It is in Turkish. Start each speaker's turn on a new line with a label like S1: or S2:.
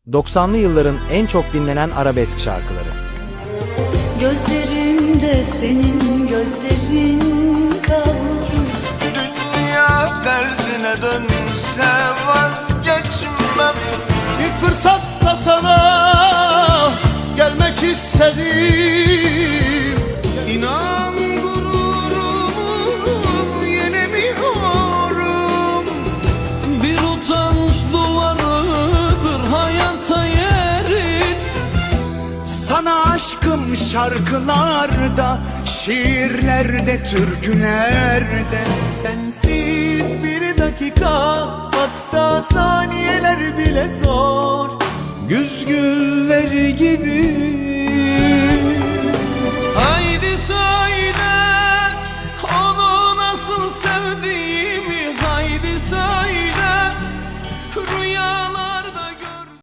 S1: 90'lı yılların en çok dinlenen arabesk şarkıları.
S2: Gözlerimde senin gözlerin kaldı.
S3: Dünya tersine dönse vazgeçmem.
S4: İlk fırsatta sana gelmek istedim.
S3: İnan gururumu yenemiyorum.
S5: Bir utanç duvarıdır hayata yerin.
S6: Sana aşkım şarkılarda, şiirlerde, türkülerde. Sensiz bir dakika, hatta saniyeler bile zor.
S3: Güz gülleri gibi.
S5: Haydi söyle